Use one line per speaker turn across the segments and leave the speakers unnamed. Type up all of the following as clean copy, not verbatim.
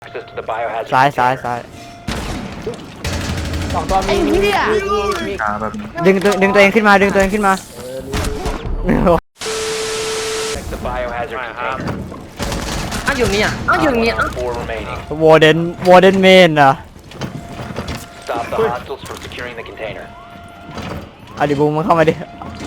access to the biohazard
ซ้าย
container.
สองตัวมีมี
ขาแบบนี้
ดึงตัวเองขึ้นมาดึงตัวเองขึ้นมา
Protect the biohazard container.
อ้าวอยู่นี่อ่ะอ้าวอยู่นี่
Op 4 remaining.
วอร์เดนเมนอ่ะ
Stop the hostiles from securing the container.
เอาดิบูมมันเข้ามาดิ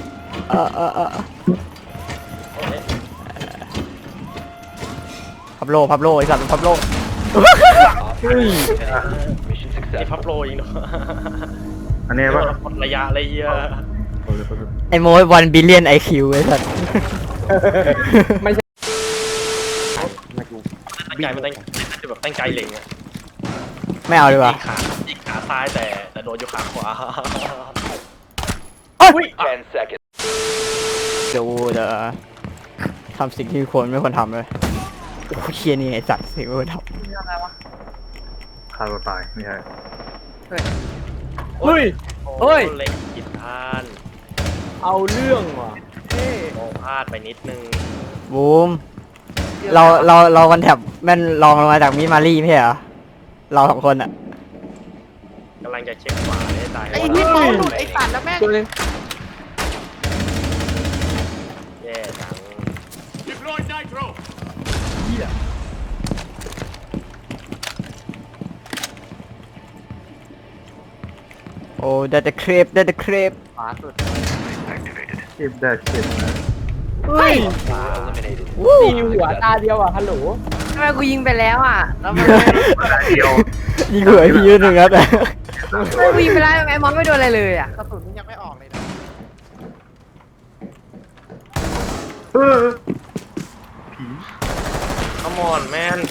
พับโลไอ้สัตว์พับโล
Op 4 mission
ไอ้พับ
successful.
โลอีกเนาะ
อันนี้ว่า
คนระยะอะไรเงี้ย
ไอ้โมย1 billion IQ ไอ้สัตว์
ไม่ใช่
ตั้งใจมันตั้งแบบตั้งใจเล็งอะ
ไม่เอาดีกว่า
ยิงขาซ้ายแต่โดนอยู่ขาขวา
10 seconds.
เดี๋ยวจะทำสิ่งที่ไม่ควรทำเลยโอ้เคียนี่ไอ้สัตว์สิ่งไม่ควรท
ฆ่าตัวตายไม่ใช่
เฮ้ย เฮ้ย
เล็งผิดพลาด
เอาเรื่องว่ะ
มองพลาดไปนิดนึง
ำบูมเรากันแถบแม่นลองลงมาจากมิมารี่ไม่ใช่เหรอเราสองคนอ่ะ
กำลังจะเช็คขวาให้ตาย
ไอ้นี่เมาหลุดไอ้สัตว์แล้วแม่งตัวนึง
แย่จัง
โอ้ได้แต่เครป
ขวาสุด
เก็บได้เก็บนะ
เฮ้ย
Eliminated.
ตีหัวตาเดียวอ่ะฮัลโหล
ทำไมกูยิงไปแล้วอ่ะ แล้วมัน
เดียว
ยิงหัวไอ้พี่ยืนหนึ่งครับ
ทำไมกูยิงไปแล้วไอ้มอนไม่โดนอะไรเลยอ่ะ
กระสุนมันยังไม่ออกเลยนะ
ผี
ขมอนแมน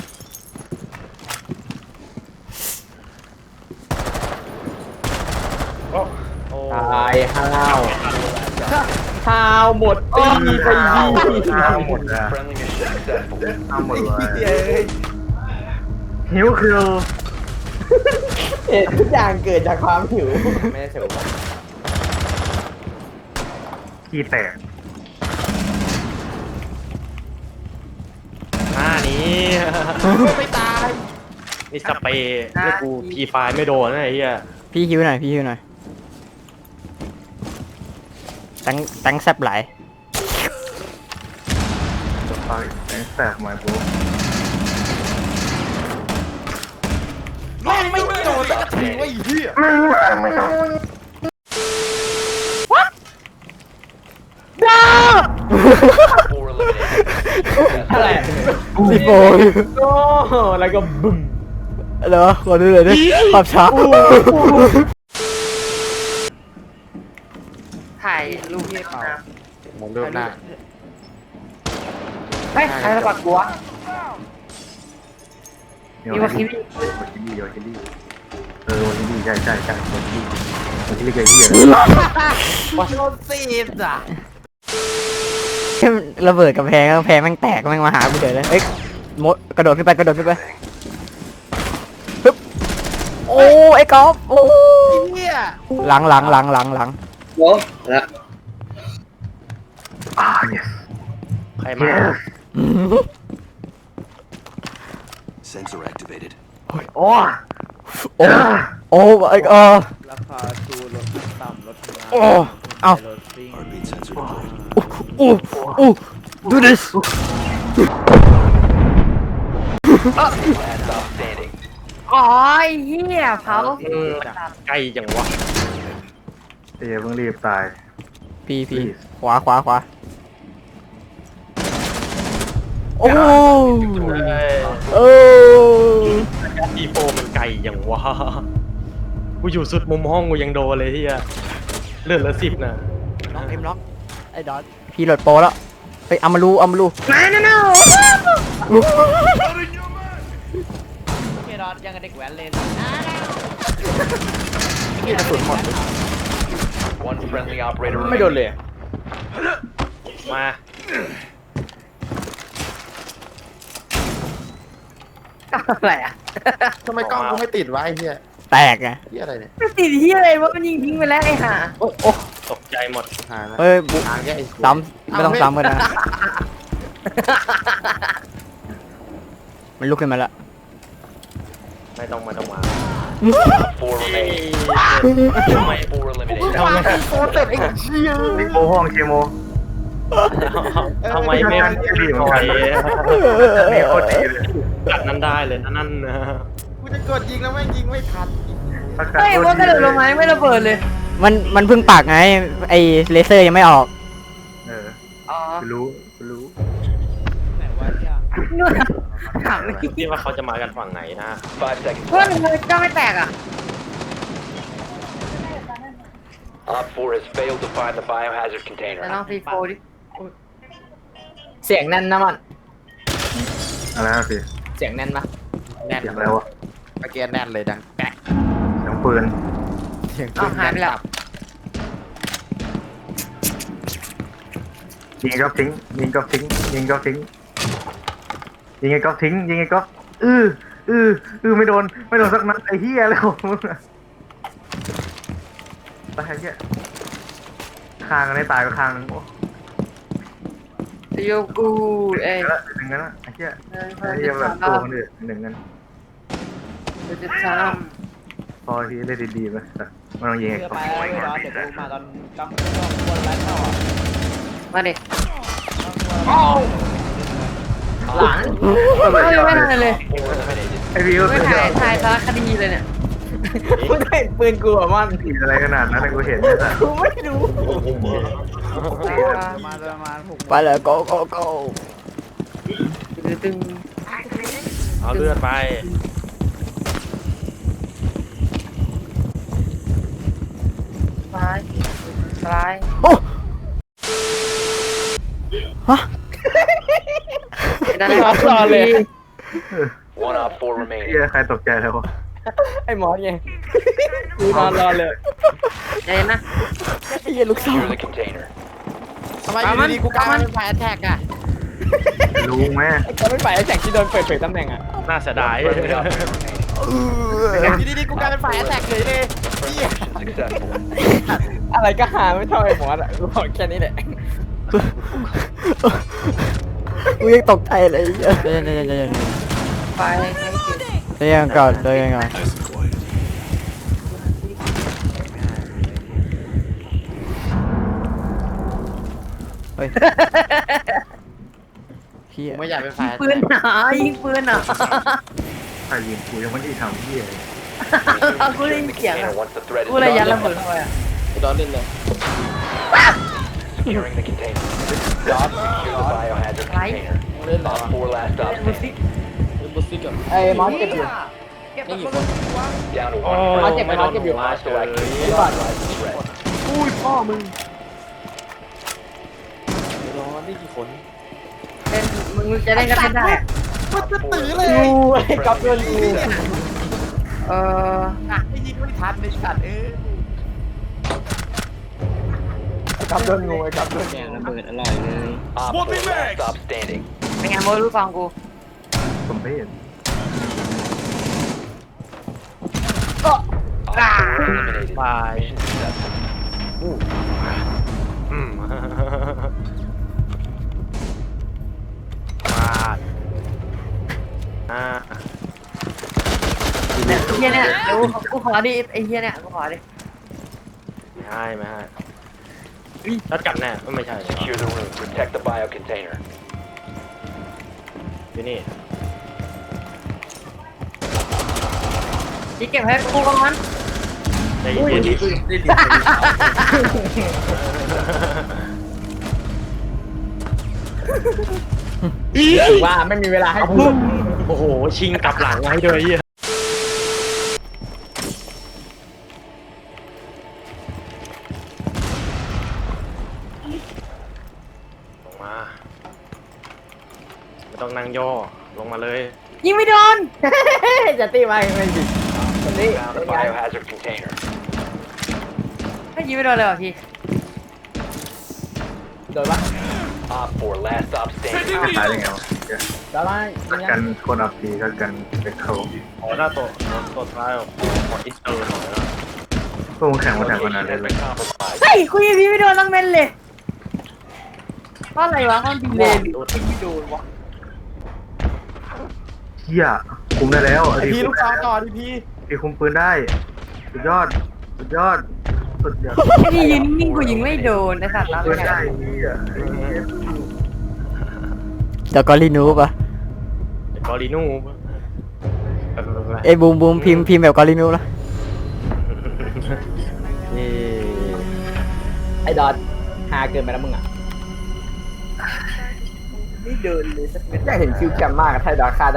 โอ้
ตายห้าวห้าวหมดตีไปดี
เอาหมดเลย
Friendly mission successful.
เอาหมดเลยหิวคือ
เหตุทุกอย่างเกิดจากความหิวไม่ได้เฉย
ขี้แตก
หน้านี้
ไม่ตาย
นี่สเปรย์นี่กูพีไฟไม่โดนนะไอ้เหี้ย
พี่ฮิวหน่อยตั้งแซบไหล
จะตายแตกไหมปุ๊บ
แม่งไม่โดนสักทีวะไอ้เหี้ย
ไม่ต้อง
4 eliminated.
อะไร
สิโบ
โอ้แล้วก็บึ้ม
เหรอขอดูเลยดิภาพช้า
ถ่ายรูปที่เปล่าม
องเริ่มหน้า
เฮ้ยใครระบาดกูวะ มีวาคิริ
วาคิริวาคิริวาคิริใช่วาคิริใหญ่ที่เลย
โดนซีดอ่ะ
ระเบิดกำแพงแม่งแตกแม่งมาหากูเฉยเลยเอ้ยมดกระโดดขึ้นไปฮึบโอ้ไอ้กอล์ฟโอ้
เหี้ย
หลัง
yes
ใครมา
Sensor activated.
โอ้
โอ้ไอ้
ราคาชูรถต่ำรถ
โอ้เอา
Heartbeat sensor deployed.
โอ้do this
Last stop standing.
อ๋อไอ้เหี้ยเผา
ใกล้จังวะ
เดี๋ยวเพิ่งรีบตาย
พี่ขวาโอ้ โอ้
อีโฟมันไกลจังวะกูอยู่สุดมุมห้องกูยังโดนเลยที่อะเลือดละ10นะ
ล็อกล็อกไอ้ดอทพี่โหลดโปรแล้วไปเอามารู
โอเคดอทยังกับเด็กแว้นเลย
กระสุนหมด
One friendly operator
ไม่โดน
remaining.
เลย
มา
อะไรอ่ะ
ทำไมกล้องกูไม่ติดวะไอ้เหี้ย
แตกไง
เหี้ยอะไรเนี่ย
มันติดเหี้ยอะไรวะมันยิงทิ้งไปแล้วไอ้ห่า
โอ้โอ้
ตกใจหมด
หายแล้ว
เฮ้ยบุ
หายแค่ไอ้
ซ้ำไม่ต้องซ้ำกันนะมันลุกขึ้นมาแล้ว
ไม่ต้องมา
4 remaining. 4 eliminated.
โคตรเต็มไอ้เชี่ย
นี่โมห้องเชียโม
ทำไมไม่ถอย
นี่โคตรดีเลย
กัดนั้นได้เลยนั่นนะ
กูจะกดยิงแล้วแม่งยิงไม่ทัน
เฮ้ยว่ากระโดดลงมาไม่ระเบิดเลย
มันเพิ่งปากไงไอเลเซอร์ยังไม่ออก
อ๋อ
กูรู้
นู่นถามเลย
คิดว่าเขาจะมากันฝั่งไหนนะ
5 seconds
เพื่อน
left.
มันก็ไม่แตกอ่ะ
Op 4 has failed to find the biohazard
แต่
container.
ลองซีโฟดิ
เสียงแน่นนะมัน
อะไรนะพี่
เสียงแน่นปะแน่น
เสียงอะไรวะ
เมื่อกี้แน่นเลยดังแปะ
เสียงปืน
เสียง
อ้าวหายไปแล้ว
ยิงไอ้ก๊อฟทิ้งยิงก๊อฟทิ้งยิงไอ้ก๊อฟทิ้งยิงไอ้ก๊อฟทิ้งยิงไอ้ก๊อฟไม่โดนสักนัดไอ้เหี้ยเลยของมึงอะตายเหี้ยคางกันได้ตายก็คางนึงโอ้
โยกูเอ้ย
แล้วหนึ่งนั้นไอ้เหี้ยไอ้เหี้ยแบบตัวคนอื่นหนึ่งนั้น
จะท
พอที่ได้ดีๆไปแต่มันต้องยิงไอ้ก๊อฟ
ำมาดิ
หลัง
เฮ้ยไม่ทันเลย
4 eliminated.
ไอ้พี่ก็
ไม่ถ่ายสารคดีเลยเนี่ย
กูได้ปืนกูอะมัน
ผิดอะไรขนาดนั้นกูเห็นเลยแต่
กูไม่รู้
ไปเลย go go go
ตึง
เอาเลือดไป
ซ้ายซ้าย
โอ้ฮะ
ได้รอเลย
1 Op 4
เหี้
remaining.
ยใครตกใจเลยวะ
ไอ้หมอไงกูนอนรอเลย
ใจนะ
ไอ้เหี้ยลูกสาว
Secure the container.
ทำไมอยู่ดีๆกูกลายเป็นฝ่ายแท็กอะ
รู้ไหม
ก็เป็นฝ่ายแท็กที่โดนเปิดเผยตำแหน่งอะ
น่าเสียดาย
Friendly op 4 remaining.
อยู่ดีๆกูกลายเป็นฝ่ายแท็กเลยเลย
Successful.
อะไรก็หาไม่เท่าไอ้หมออะกูบอกแค่นี้แหละ
กูยังตกใจเลยเดี๋ยว
ไป
เดี๋ยวก่อนเดี๋ยวก่อน
Nice and quiet.
เฮ้ยเฮีย
กูไม่อยากเป็นฝ่าย
ปืนหนายิงปืนหนา
ใครยิงกูยังไม่ได้ทำเหี้ยเลย
กูได้ยิน
The
เสียง
container once the threat is
กูเลยยัดระ
done.
เบิดเข้าไปอ่ะ
กูโดนเล่นเลย
Securing the container. Stop. Secure the biohazard container.
เล่นเหรอ
Op 4 last stop
ดูสิ
standing.
เล่นบุสซิกอะไอ้หมอเจ็บอยู่ นี่กี่คน
Down to
โอ้
1 friendly.
ไม่โดนหัวเฉย
Hostile activity. Threat.
อุ้ยพ่อมึงร้อนนี่กี่คน
เล่นมึงจะเล่นก็เล่นได้
Op 4
กู
eliminated.
ไอ้กับเพื่อนกู
เออ
ไม่ยิงไม่ทันไม่ชัดไอ้กับเพื่อนงูไอ้กับเพื่อนแกงระเบิดอร่อยเลย
Op 4 last stop standing.
เป็นไงโมรู้ฟังกู
ผมไม่เห็น
Op 4 eliminated.
บาย
Mission successful.
อืมมาด
เนี่ยไอ้เฮียเนี่ยเดี๋ยวกูขอดิไอ้เฮียเนี่ยกูขอดิ
ไม่ให้ชัดกันแน่ไม่ใช่
Secure the room. Protect the bio container.
ที่นี่
ที่เก็บให้กูก่อน
ใจเย็นๆ
ถือว่าไม่มีเวลาให้พูด
โอ้โห ชิงกลับหลังให้ด้วยเหี้ยลงมา ไม่ต้องนั่งย่อ ลงมาเลย
ยิงไม่โดน
จะตีมาไม่ดิคนนี้
Found the biohazard container.
ไม่ยิงไม่โดนเลยว่ะพี่
โดนปะ
Op 4 last stop standing.
ตายได้ไงวะเหี้ย
โดนปะ
กันคนอับปีก็กันไปเขา
ขอหน้าตัวท้ายขออินเตอร์หน่อยนะ
พวกมึงแข่งมาแข่งกัน
Location
นานเลย
has been compromised.
เฮ้ยกูยิงพี่ไม่โดนตั้งเม็ดเลยเพราะอะไรวะมันดีเลยยิงไม่โดนวะ
เหี้ยโกคุมได้แล้ว
ไอพีลูกซองต่อดิพี
พี่คุมปืนได้สุดยอดสุดยอดสุดยอด
ไอ้นี่ยืนนิ่งกูยิงไม่โดนไอ้สัตว์รับ
ปืน
เนี่ย
ได้เหี้ย
แล้วก็รีนูปะ
กอรินู
เอ้ยบูมบูมพิมพ์แบบกอรีนูนะ
ไอ้ดอทฮาเกินไปแล้วมึงอ่ะ
ไม่เดินเลยสักเม็ด
อยากเห็นคิวแคมมากถ้าไอ้ดอทฆ่าได้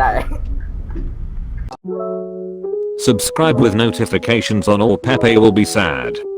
Subscribe with notifications on or Pepe will be sad.